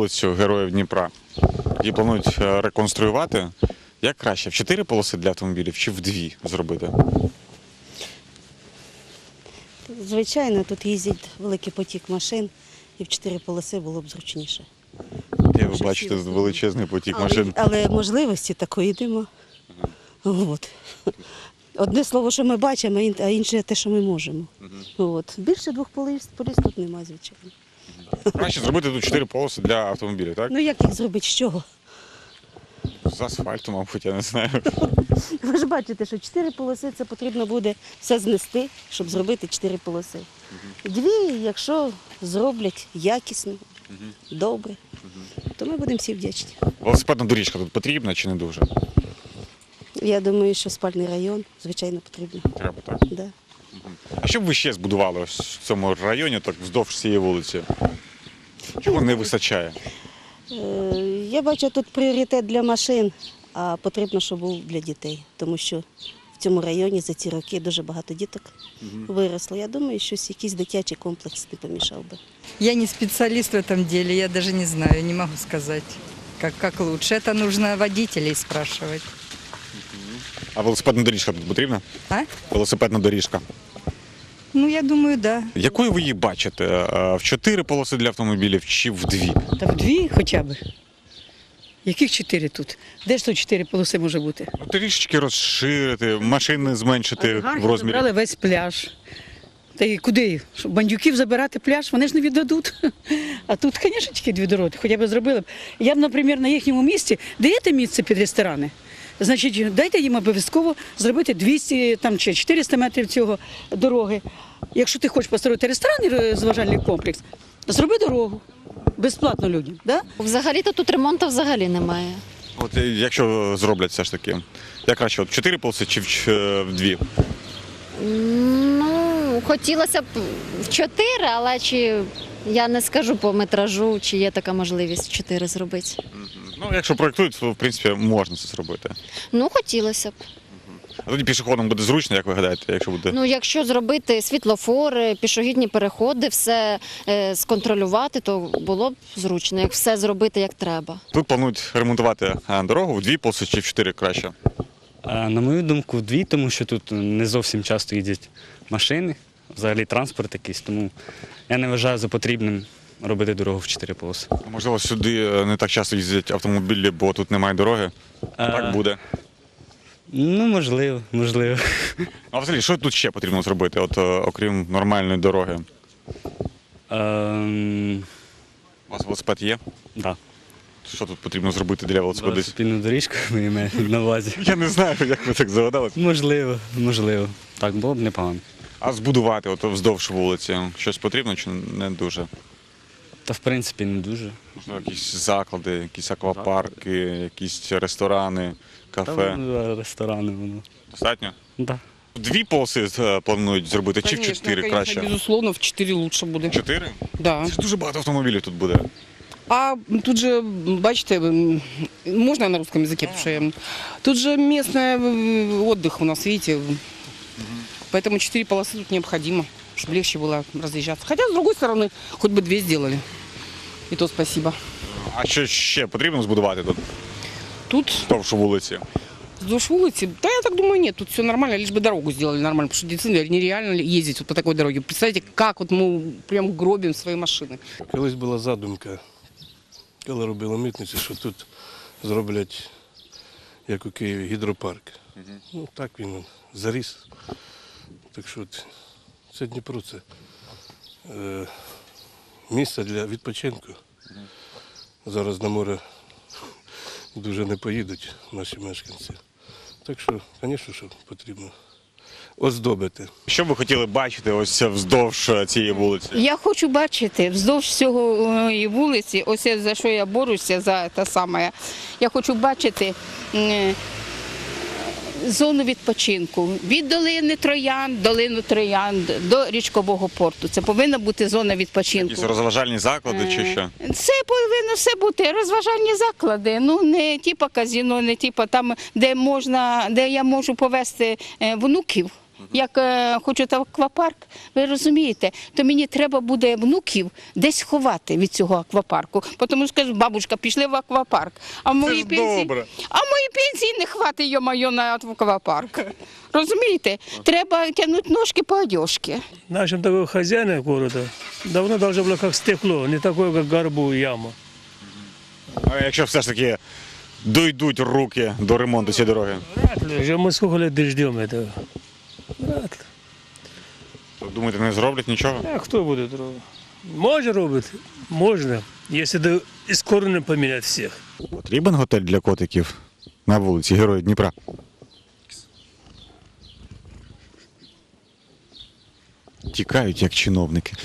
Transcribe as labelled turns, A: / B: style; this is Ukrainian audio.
A: вулицю Героїв Дніпра. Її планують реконструювати. Як краще, в 4 полоси для автомобілів чи в 2 зробити?
B: Звичайно, тут їздить великий потік машин, і в 4 полоси було б зручніше.
A: Як ви бачите, тут величезний потік машин.
B: Але можливості такої нема. От. Одне слово, що ми бачимо, а інше те, що ми можемо. От. Більше 2 поліс тут немає, звичайно.
A: Краще зробити тут 4 полоси для автомобілів, так?
B: Ну як їх зробити? З чого?
A: З асфальту, мабуть, я не знаю.
B: Ви ж бачите, що 4 полоси це потрібно буде все знести, щоб зробити 4 полоси. 2, якщо зроблять якісно, добре, то ми будемо всі вдячні.
A: Велосипедна доріжка тут потрібна чи не дуже?
B: Я думаю, що спальний район, звичайно, потрібно.
A: Треба, так?
B: Да.
A: А що б ви ще збудували ось в цьому районі, так вздовж цієї вулиці? Чого не вистачає?
B: Я бачу тут пріоритет для машин, а потрібно, щоб був для дітей. Тому що в цьому районі за ці роки дуже багато діток виросло. Я думаю, що якийсь дитячий комплекс не помішав би.
C: Я не специалист в этом деле, я даже не знаю, не могу сказать, как лучше. Это нужно водителей спрашивать.
A: А велосипедна доріжка тут потрібна?
C: А?
A: Велосипедна доріжка.
C: Ну, я думаю, да.
A: Якою ви її бачите? В 4 полоси для автомобілів чи в 2?
D: Та в 2 хоча б. Яких 4 тут? Де ж тут 4 полоси може бути?
A: Трішечки розширити, машини зменшити в розмірі.
D: Забрали весь пляж. Та й куди їх? Щоб бандюків забирати пляж, вони ж не віддадуть. А тут, звісно, тільки 2 дороги, хоча б зробили б. Я б, наприклад, на їхньому місці, даєте місце під ресторани? Значить, дайте їм обов'язково зробити 200 там, чи 400 метрів цього дороги. Якщо ти хочеш построїти ресторан і розважальний комплекс, зроби дорогу. Безплатно людям. Да?
E: Взагалі-то тут ремонту взагалі немає.
A: От якщо зроблять все ж таки, як краще, от 4 полоси чи в 2?
E: Ну, хотілося б в 4, але я не скажу по метражу, чи є така можливість 4 зробити.
A: Ну, якщо проєктують, то в принципі можна це зробити.
E: Ну, хотілося б.
A: А тоді пішоходам буде зручно, як ви гадаєте, якщо буде?
E: Ну, якщо зробити світлофори, пішохідні переходи, все сконтролювати, то було б зручно, як все зробити як треба.
A: Тут планують ремонтувати дорогу в 2 полоси чи в 4 краще?
F: На мою думку, в 2, тому що тут не зовсім часто їздять машини, взагалі транспорт якийсь, тому я не вважаю за потрібним робити дорогу в 4 полоси.
A: Можливо, сюди не так часто їздять автомобілі, бо тут немає дороги. Так буде.
F: Ну, можливо.
A: А взагалі, що тут ще потрібно зробити, от, окрім нормальної дороги? У вас велосипед є?
F: Да.
A: Що тут потрібно зробити для велосипедистів?
F: Велосипедну доріжку ви маєте на увазі.
A: Я не знаю, як ви так загадали.
F: Можливо. Так, було б непогано.
A: А збудувати от вздовж вулиці щось потрібно чи не дуже?
F: Та в принципі не дуже.
A: Можливо, якісь заклади, якісь аквапарки, якісь ресторани, кафе.
F: Ресторани воно.
A: Достатньо?
F: Да.
A: 2 полоси планують зробити чи в 4 краще?
G: Безусловно, в 4 лучше буде.
A: 4?
G: Да.
A: Це ж дуже багато автомобілів тут буде.
G: А тут же, бачите, можно на русском языке, потому что тут же местный отдых у нас, видите, поэтому 4 полосы тут необходимо, чтобы легче было разъезжаться. Хотя, с другой стороны, хоть бы 2 сделали. И то спасибо.
A: А що ще потрібно збудувати тут,
G: Тут
A: вздовж вулиці?
G: вздовж улицы, да я так думаю, нет, тут все нормально, лишь бы дорогу сделали нормально, потому что действительно нереально ездить вот по такой дороге. Представляете, как вот мы прям гробим свои машины.
H: Колись була задумка, коли робили митницю, що тут зроблять, як у Києві, гідропарк. Ну, так він заріс. Так що це Дніпро, це місце для відпочинку. Зараз на море дуже не поїдуть наші мешканці. Так що, звісно, що потрібно оздобити.
A: Що б ви хотіли бачити ось вздовж цієї вулиці?
I: Я хочу бачити вздовж цього вулиці, ось за що я борюся, за те саме. Я хочу бачити зону відпочинку від долини Троянд до річкового порту. Це повинна бути зона відпочинку.
A: Якісь розважальні заклади чи що?
I: Це повинно все бути розважальні заклади. Ну не типа казино, не типа там, де я можу повезти внуків. як хочуть аквапарк, ви розумієте, то мені треба буде внуків десь ховати від цього аквапарку. Тому що кажуть, бабушка, пішли в аквапарк. А в моїй
A: добре.
I: пенсії не хватить, йо-моє, на аквапарк. Розумієте? Треба тягнути ножки по одежці.
J: Нашим такой хозяин города давно должно было как стекло, не такое, как горбу и яма.
A: А якщо все ж таки дойдуть руки до ремонту цієї дороги?
J: Вряд ли. Уже мы сколько лет ждем этого. Вряд ли.
A: То, думаєте, не зроблять нічого?
J: А кто будет робить? Можно робить? Можно, если до искоренно поменять всех.
A: Потрібен готель для котиків на вулиці Героїв Дніпра? Тікають, як чиновники.